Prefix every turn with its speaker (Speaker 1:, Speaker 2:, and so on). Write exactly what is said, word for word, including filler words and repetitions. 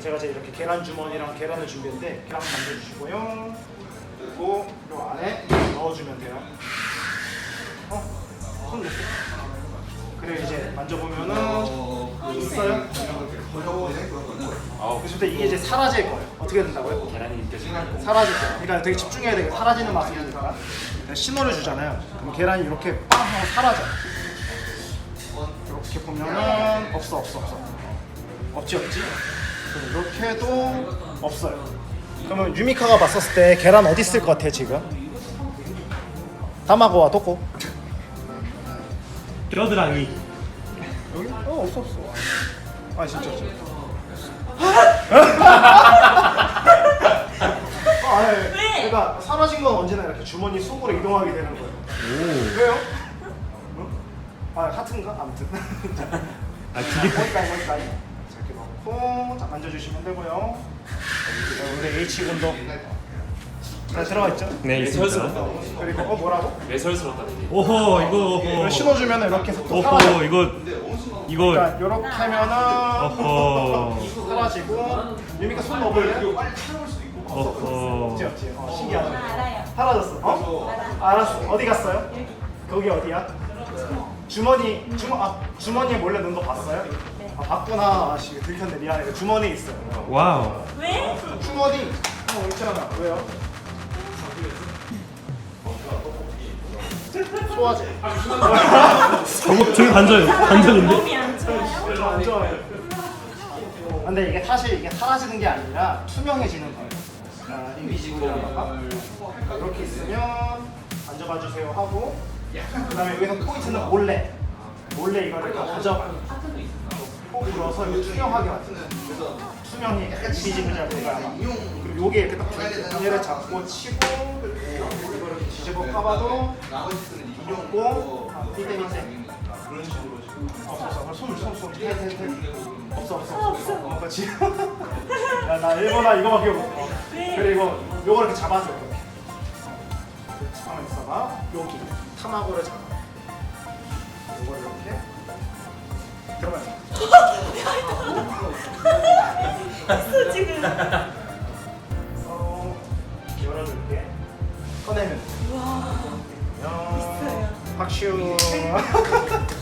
Speaker 1: 제가 이제 이렇게 계란 주머니랑 계란을 준비했는데 계란 만져주시고요. 그리고 이 안에 넣어주면 돼요. 어? 손 놓고. 그리고 이제 만져보면은 있어요? 그래서 이게 이제 사라질 거예요. 어떻게 된다고요?
Speaker 2: 계란이 느껴지는
Speaker 1: 사라질 거예요. 그러니까 되게 집중해야 돼요. 사라지는 맛이니까. 신호를 주잖아요. 그럼 계란이 이렇게 빵 하고 사라져. 이렇게 보면은 없어 없어 없어. 없지 없지. 이렇게 해도 없어요. 그러면 유미카가 봤었을 때 계란 어디 있을 것 같아 지금? 타마고와 토코.
Speaker 3: 겨드랑이.
Speaker 1: 여기? 어 없어 없어. 아 진짜 진짜. 아, 네. 그러니까 사라진 건 언제나 이렇게 주머니 속으로 이동하게 되는 거예요.
Speaker 3: 오.
Speaker 1: 왜요? 응? 아 하트인가? 아무튼.
Speaker 3: 아 두 개.
Speaker 1: 거기까지 거기까지. 자, 이렇게 넣고 자 만져주시면 되고요. 자, 우리 H 군도 잘 들어가 있죠?
Speaker 3: 네 있습니다.
Speaker 1: 그리고 어 뭐라고?
Speaker 2: 매설스럽다는 얘기.
Speaker 3: 오호 이거
Speaker 1: 이걸
Speaker 3: 오호.
Speaker 1: 신어주면 이렇게 또 사라져.
Speaker 3: 오호 이거 이거.
Speaker 1: 그러니까 이렇게 하면은
Speaker 3: 어허.
Speaker 1: 사라지고 유미가 손 넣어볼래?
Speaker 3: 어허.
Speaker 1: 없지 없지. 어, 신기하다.
Speaker 4: 알아요.
Speaker 1: 사라졌어. 어? 알았어. 어디 갔어요? 거기 어디야? 주머니 주머 아 주머니에 몰래 넣은 거 봤어요?
Speaker 4: 네.
Speaker 1: 아 봤구나. 아씨 들켰네 미안해. 주머니에 있어요.
Speaker 3: 와우.
Speaker 4: 왜?
Speaker 1: 주머니. 어 있잖아. 왜요? 소화제.
Speaker 3: 저거 저기 반전 반전인데.
Speaker 4: 몸이 안 좋아요?
Speaker 1: 별로 안 좋아해요. 근데 이게 사실 이게 사라지는 게 아니라 투명해지는 거예요. 아, 인비지블이라던가 이렇게 있으면 만져봐 주세요 하고 그다음에 여기서 포인트는 몰래 몰래 이거를 다 가져가. 코 불어서 이거 투명하게 만들어요. 투명이 약간 인비지블이라고 된 거야 아마. 그리고 요게 이렇게 딱 얘를 잡고 치고 이거를 뒤집어 까봐도 이용고 삐대 밑에 그런 식으로 없어 없어 손손손 없어 없어 없어 어 그렇지. 야나 일본어 이거밖에 못해. 그리고 요거 이렇게 잡아줘 이렇게. 가만 있어봐. 여기 타마고를 잡아. 요걸 이렇게 들어가요.
Speaker 4: 했어 지금.
Speaker 1: 어 열어줄게. 꺼내면.
Speaker 4: 와.
Speaker 1: 야. 박슈.